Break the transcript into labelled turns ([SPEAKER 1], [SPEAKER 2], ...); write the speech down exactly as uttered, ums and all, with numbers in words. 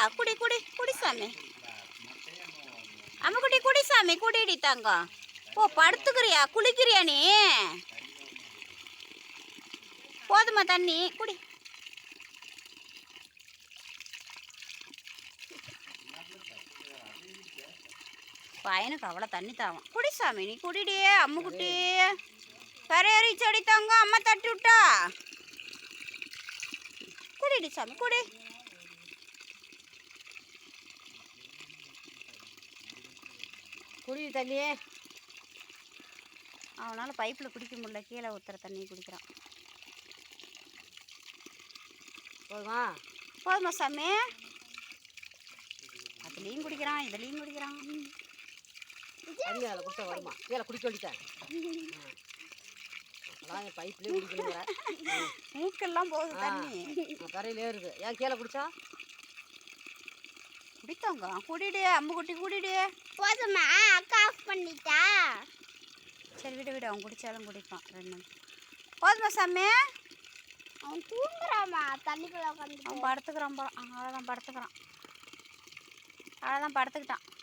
[SPEAKER 1] குடிடா குடி குடி குடி சாமி. அம்மா குட்டி குடி சாமி குடிடி தங்கம். ஓ படுத்துக்கிறியா குளிக்கிறியா நீ? போதுமா தண்ணி குடி. பையனுக்கு அவ்வளோ தண்ணி தாவும். குடி சாமி நீ குடிடியே. அம்மு குட்டி கரையறி செடி தாங்க அம்மா தட்டி விட்டா. குடிடி சாமி குடி.
[SPEAKER 2] குடி தண்ணியே.
[SPEAKER 1] அவனால் பைப்பில் குடிக்க முடியல, கீழே ஊற்றுற தண்ணி குடிக்கிறான்.
[SPEAKER 2] போதுமா
[SPEAKER 1] போதுமா சாமி? அதுலேயும் குடிக்கிறான் இதுலேயும் குடிக்கிறான்.
[SPEAKER 2] தண்ணி அதில் குடிச்சா வருமா? கீழே குடிக்க வேண்டிட்டேன். அதான் பைப்லேயே குடிக்கணுங்கிற.
[SPEAKER 1] மூக்கெல்லாம் போகுது தண்ணி.
[SPEAKER 2] கரையில் ஏறுது. ஏன் கீழே குடிச்சா?
[SPEAKER 1] குடித்தாங்க குடிடு அம்மு குட்டி குடிடு.
[SPEAKER 3] போதுமா? அக்கா ஆஃப் பண்ணிட்டா.
[SPEAKER 1] சரி விடு விடு, அவன் குடித்தாலும் குடிப்பான் ரெண்டு நிமிஷம். போதுமா சாமி?
[SPEAKER 3] அவன் தூங்குறாமா தண்ணிக்குள்ள உட்காந்து.
[SPEAKER 1] அவன் படுத்துக்கிறான் போல. அவ்வளோதான் படுத்துக்கிறான். அவ்வளோதான் படுத்துக்கிட்டான்.